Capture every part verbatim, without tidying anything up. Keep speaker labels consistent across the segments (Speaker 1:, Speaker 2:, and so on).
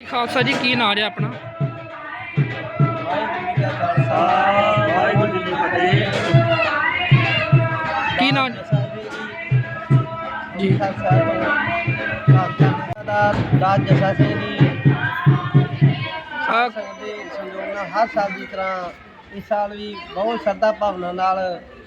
Speaker 1: ਖਾਲਸਾ ਜੀ ਕੀ ਨਾਂ ਹੈ ਆਪਣਾ?
Speaker 2: ਵਾਹਿਗੁਰੂ ਜੀ ਕੀ ਫਤਿਹ।
Speaker 1: ਕੀ ਨਾਂ ਜੀ?
Speaker 3: ਰਾਜ ਜੱਸਾ ਸਿੰਘ ਜੀ
Speaker 1: ਆ
Speaker 3: ਦੇ ਸੰਯੋਗ ਨਾਲ ਹਰ ਸਾਲ ਦੀ ਤਰ੍ਹਾਂ ਇਸ ਸਾਲ ਵੀ ਬਹੁਤ ਸ਼ਰਧਾ ਭਾਵਨਾ ਨਾਲ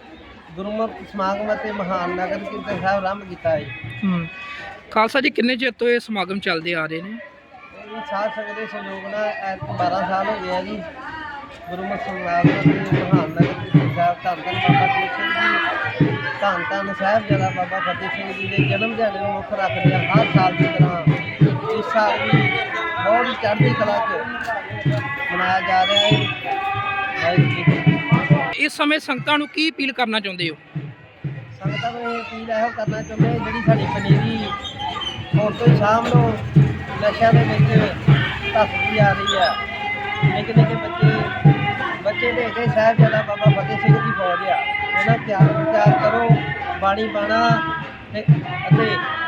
Speaker 3: ਗੁਰਮਤਿ ਸਮਾਗਮ ਅਤੇ ਮਹਾਨ ਨਗਰ ਕੀਰਤਨ ਸਾਹਿਬ ਆਰੰਭ ਕੀਤਾ ਹੈ।
Speaker 1: ਹੂੰ ਖਾਲਸਾ ਜੀ ਕਿੰਨੇ ਚਿਰ ਤੋਂ ਇਹ ਸਮਾਗਮ ਚੱਲਦੇ ਆ ਰਹੇ ਨੇ?
Speaker 3: ਇਹ ਸਾਧ ਸੰਗਤ ਦੇ ਸੰਯੋਗ ਨਾਲ ਐਤਕ ਬਾਰਾਂ ਸਾਲ ਹੋ ਗਏ ਆ ਜੀ। ਗੁਰਮਤਿ ਸਮਾਗਮ ਅਤੇ ਮਹਾਨ ਨਗਰ ਕੀਰਤਨ ਸਾਹਿਬ ਧੰਨ ਧੰਨ ਬਾਬਾ ਦੀਪ ਸਿੰਘ ਜੀ ਧੰਨ ਧੰਨ ਸਾਹਿਬਜ਼ਾਦਾ ਬਾਬਾ ਫਤਿਹ ਸਿੰਘ ਜੀ ਦੇ ਜਨਮ ਦਿਹਾੜੇ ਨੂੰ ਮੁੱਖ ਰੱਖਦੇ ਹਰ ਸਾਲ ਦੀ ਤਰ੍ਹਾਂ ਇਸ ਸਾਲ ਵੀ ਬਹੁਤ ਹੀ ਚੜ੍ਹਦੀ ਕਲਾ 'ਚ ਮਨਾਇਆ ਜਾ ਰਿਹਾ ਹੈ। ਵਾਹਿਗੁਰੂ ਜੀ ਕੀ ਫਤਿਹ।
Speaker 1: ਇਸ ਸਮੇਂ ਸੰਗਤਾਂ ਨੂੰ ਕੀ ਅਪੀਲ ਕਰਨਾ ਚਾਹੁੰਦੇ ਹੋ?
Speaker 3: ਸੰਗਤਾਂ ਨੂੰ ਇਹ ਅਪੀਲ ਇਹੋ ਕਰਨਾ ਚਾਹੁੰਦੇ ਹਾਂ, ਜਿਹੜੀ ਸਾਡੀ ਪਨੀਰੀ ਹੁਣ ਤੋਂ ਹੀ ਸ਼ਾਮ ਨੂੰ ਨਸ਼ਿਆਂ ਦੇ ਵਿੱਚ ਧੱਸਦੀ ਆ ਰਹੀ ਆ। ਨਿੱਕੇ ਨਿੱਕੇ ਬੱਚੇ ਬੱਚੇ ਦੇ ਕੇ ਸਾਹਿਬਜ਼ਾਦਾ ਬਾਬਾ ਫਤਿਹ ਸਿੰਘ ਦੀ ਫੌਜ ਆ, ਇਹਨਾਂ ਤਿਆਰ ਤਿਆਰ ਕਰੋ ਬਾਣੀ ਬਾਣਾ ਤੇ ਅਤੇ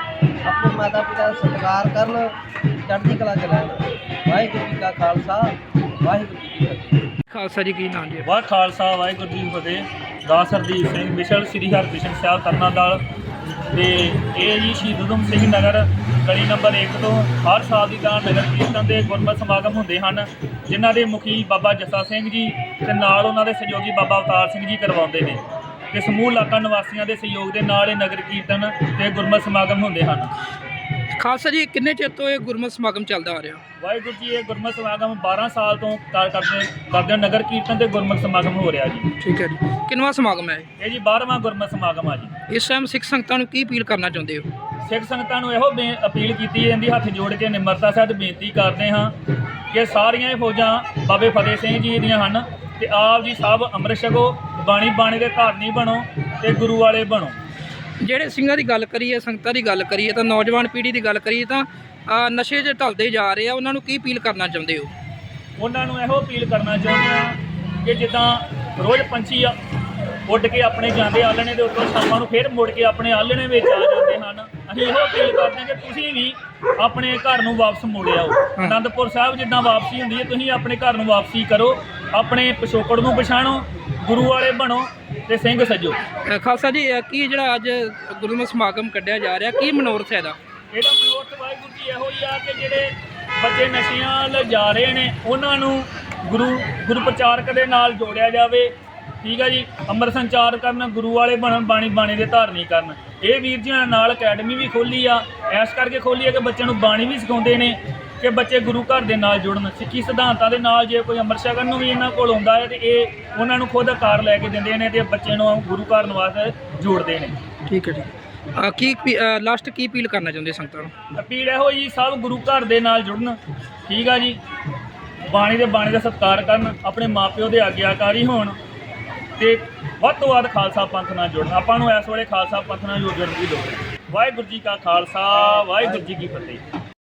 Speaker 3: ਆਪਣੇ ਮਾਤਾ ਪਿਤਾ ਦਾ ਸਤਿਕਾਰ ਕਰਨ, ਚੜ੍ਹਦੀ ਕਲਾ 'ਚ ਰਹਿਣ। ਵਾਹਿਗੁਰੂ ਜੀ ਕਾ ਖਾਲਸਾ ਵਾਹਿਗੁਰੂ ਜੀ ਕੀ ਫਤਿਹ।
Speaker 1: ਖਾਲਸਾ ਜੀ ਕੀ ਨਾਂ ਜੀ?
Speaker 2: ਵਾਹ ਖਾਲਸਾ ਵਾਹਿਗੁਰੂ ਜੀ ਕੀ ਫਤਿਹ। ਦਾਸ ਹਰਦੀਪ ਸਿੰਘ ਮਿਸ਼ਲ ਸ੍ਰੀ ਹਰਿਕ੍ਰਿਸ਼ਨ ਸਾਹਿਬ ਤਰਨਾਦਲ ਤੇ ਇਹ ਜੀ ਸ਼ਹੀਦ ਊਧਮ ਸਿੰਘ ਨਗਰ ਗਲੀ ਨੰਬਰ ਇੱਕ ਤੋਂ ਹਰ ਸਾਲ ਦੀ ਤਰ੍ਹਾਂ ਨਗਰ ਕੀਰਤਨ ਦੇ ਗੁਰਮਤਿ ਸਮਾਗਮ ਹੁੰਦੇ ਹਨ, ਜਿਨ੍ਹਾਂ ਦੇ ਮੁਖੀ ਬਾਬਾ ਜੱਸਾ ਸਿੰਘ ਜੀ ਤੇ ਨਾਲ ਉਹਨਾਂ ਦੇ ਸਹਿਯੋਗੀ ਬਾਬਾ ਅਵਤਾਰ ਸਿੰਘ ਜੀ ਕਰਵਾਉਂਦੇ ਨੇ ਤੇ ਸਮੂਹ ਇਲਾਕਾ ਨਿਵਾਸੀਆਂ ਦੇ ਸਹਿਯੋਗ ਦੇ ਨਾਲ ਇਹ ਨਗਰ ਕੀਰਤਨ ਤੇ ਗੁਰਮਤਿ ਸਮਾਗਮ ਹੁੰਦੇ ਹਨ।
Speaker 1: ਖਾਲਸਾ ਜੀ ਕਿੰਨੇ ਚਿਰ ਤੋਂ ਇਹ ਗੁਰਮਤਿ ਸਮਾਗਮ ਚੱਲਦਾ ਆ ਰਿਹਾ?
Speaker 2: ਵਾਹਿਗੁਰੂ ਜੀ ਇਹ ਗੁਰਮਤਿ ਸਮਾਗਮ ਬਾਰਾਂ ਸਾਲ ਤੋਂ ਕਰ ਕਰਦੇ ਕਰਦੇ ਨਗਰ ਕੀਰਤਨ ਤੇ ਗੁਰਮਤਿ ਸਮਾਗਮ ਹੋ ਰਿਹਾ ਜੀ।
Speaker 1: ਠੀਕ ਹੈ ਜੀ। ਕਿੰਨਵਾਂ ਸਮਾਗਮ ਹੈ ਇਹ?
Speaker 2: ਇਹ ਜੀ ਬਾਰ੍ਹਵਾਂ ਗੁਰਮਤਿ ਸਮਾਗਮ ਆ ਜੀ।
Speaker 1: ਇਸ ਟਾਈਮ ਸਿੱਖ ਸੰਗਤਾਂ ਨੂੰ ਕੀ ਅਪੀਲ ਕਰਨਾ ਚਾਹੁੰਦੇ ਹੋ?
Speaker 2: ਸਿੱਖ ਸੰਗਤਾਂ ਨੂੰ ਇਹੋ ਬੇ ਅਪੀਲ ਕੀਤੀ ਜਾਂਦੀ, ਹੱਥ ਜੋੜ ਕੇ ਨਿਮਰਤਾ ਸਹਿਤ ਬੇਨਤੀ ਕਰਦੇ ਹਾਂ ਕਿ ਸਾਰੀਆਂ ਇਹ ਫੌਜਾਂ ਬਾਬੇ ਫਤਿਹ ਸਿੰਘ ਜੀ ਦੀਆਂ ਹਨ ਤੇ ਆਪ ਜੀ ਸਭ ਅੰਮ੍ਰਿਤ ਛਕੋ, ਬਾਣੀ ਬਾਣੀ ਦੇ ਧਾਰਨੀ ਬਣੋ ਤੇ ਗੁਰੂ ਵਾਲੇ ਬਣੋ।
Speaker 1: ਜਿਹੜੇ ਸਿੰਘਾਂ ਦੀ ਗੱਲ ਕਰੀਏ, ਸੰਗਤਾਂ ਦੀ ਗੱਲ ਕਰੀਏ ਤਾਂ ਨੌਜਵਾਨ ਪੀੜ੍ਹੀ ਦੀ ਗੱਲ ਕਰੀਏ ਤਾਂ ਅ, ਨਸ਼ੇ 'ਚ ਢਲਦੇ ਜਾ ਰਹੇ ਆ, ਉਹਨਾਂ ਨੂੰ ਕੀ ਅਪੀਲ ਕਰਨਾ ਚਾਹੁੰਦੇ ਹੋ?
Speaker 2: ਉਹਨਾਂ ਨੂੰ ਇਹੋ ਅਪੀਲ ਕਰਨਾ ਚਾਹੁੰਦੇ ਹਾਂ ਕਿ ਜਿੱਦਾਂ ਰੋਜ਼ ਪੰਛੀ ਆ ਉੱਡ ਕੇ ਆਪਣੇ ਜਾਂਦੇ ਆਲਣੇ ਦੇ ਉੱਤੋਂ ਸ਼ਾਮਾਂ ਨੂੰ ਫਿਰ ਮੁੜ ਕੇ ਆਪਣੇ ਆਲਣੇ ਵਿੱਚ ਆ ਜਾਂਦੇ ਹਨ, ਅਸੀਂ ਇਹੋ ਅਪੀਲ ਕਰਦੇ ਹਾਂ ਕਿ ਤੁਸੀਂ ਵੀ ਆਪਣੇ ਘਰ ਨੂੰ ਵਾਪਸ ਮੁੜ ਆਓ। ਅਨੰਦਪੁਰ ਸਾਹਿਬ ਜਿੱਦਾਂ ਵਾਪਸੀ ਹੁੰਦੀ ਹੈ, ਤੁਸੀਂ ਆਪਣੇ ਘਰ ਨੂੰ ਵਾਪਸੀ ਕਰੋ, ਆਪਣੇ ਪਿਛੋਕੜ ਨੂੰ ਪਛਾਣੋ, ਗੁਰੂ ਵਾਲੇ ਬਣੋ ਤੇ ਸਿੰਘ ਸਜੋ।
Speaker 1: ਅ, ਖਾਲਸਾ ਜੀ ਅ, ਕੀ ਜਿਹੜਾ ਅੱਜ ਗੁਰਮਤਿ ਸਮਾਗਮ ਕੱਢਿਆ ਜਾ ਰਿਹਾ, ਕੀ ਮਨੋਰਥ ਹੈ ਇਹਦਾ?
Speaker 2: ਇਹਦਾ ਮਨੋਰਥ ਵਾਹਿਗੁਰੂ ਜੀ ਇਹੋ ਹੀ ਆ ਕਿ ਜਿਹੜੇ ਬੱਚੇ ਨਸ਼ਿਆਂ ਵੱਲ ਜਾ ਰਹੇ ਨੇ ਉਹਨਾਂ ਨੂੰ ਗੁਰੂ ਗੁਰੂ ਪ੍ਰਚਾਰਕ ਦੇ ਨਾਲ ਜੋੜਿਆ ਜਾਵੇ। ਠੀਕ ਆ ਜੀ। ਅੰਮ੍ਰਿਤ ਸੰਚਾਰ ਕਰਨ, ਗੁਰੂ ਵਾਲੇ ਬਣਨ, ਬਾਣੀ ਬਾਣੀ ਦੇ ਧਾਰਨੀ ਕਰਨ। ਇਹ ਵੀਰ ਜੀ ਨਾਲ ਅਕੈਡਮੀ ਵੀ ਖੋਲ੍ਹੀ ਆ, ਇਸ ਕਰਕੇ ਖੋਲ੍ਹੀ ਆ ਕਿ ਬੱਚਿਆਂ ਨੂੰ ਬਾਣੀ ਵੀ ਸਿਖਾਉਂਦੇ ਨੇ ਕਿ ਬੱਚੇ ਗੁਰੂ ਘਰ ਦੇ ਨਾਲ ਜੁੜਨ, ਸਿੱਖੀ ਸਿਧਾਂਤਾਂ ਦੇ ਨਾਲ। ਜੇ ਕੋਈ ਅੰਮ੍ਰਿਤ ਛਕਣ ਨੂੰ ਵੀ ਇਹਨਾਂ ਕੋਲ ਆਉਂਦਾ ਹੈ ਤੇ ਇਹ ਉਹਨਾਂ ਨੂੰ ਖੁਦ ਆਕਾਰ ਲੈ ਕੇ ਦਿੰਦੇ ਨੇ ਤੇ ਬੱਚੇ ਨੂੰ ਗੁਰੂ ਘਰ ਵਾਸਤੇ ਜੋੜਦੇ ਨੇ।
Speaker 1: ਠੀਕ ਹੈ ਜੀ। ਅ, ਕੀ ਲਾਸਟ ਕੀ ਅਪੀਲ ਕਰਨਾ ਚਾਹੁੰਦੇ ਸੰਗਤਾਂ ਨੂੰ?
Speaker 2: ਅਪੀਲ ਇਹੋ ਜੀ, ਸਭ ਗੁਰੂ ਘਰ ਦੇ ਨਾਲ ਜੁੜਨ। ਠੀਕ ਆ ਜੀ। ਬਾਣੀ ਦੇ ਬਾਣੀ ਦਾ ਸਤਿਕਾਰ ਕਰਨ, ਆਪਣੇ ਮਾਪਿਓ ਦੇ ਆਗਿਆਕਾਰੀ ਹੋਣ ਤੇ ਵੱਧ ਤੋਂ ਵੱਧ ਖਾਲਸਾ ਪੰਥ ਨਾਲ ਜੁੜਨ। ਆਪਾਂ ਨੂੰ ਇਸ ਵੇਲੇ ਖਾਲਸਾ ਪੰਥ ਨਾਲ ਜੁੜਨ ਦੀ ਲੋੜ ਹੈ। ਵਾਹਿਗੁਰੂ ਜੀ ਕਾ ਖਾਲਸਾ ਵਾਹਿਗੁਰੂ ਜੀ ਕੀ ਫਤਿਹ।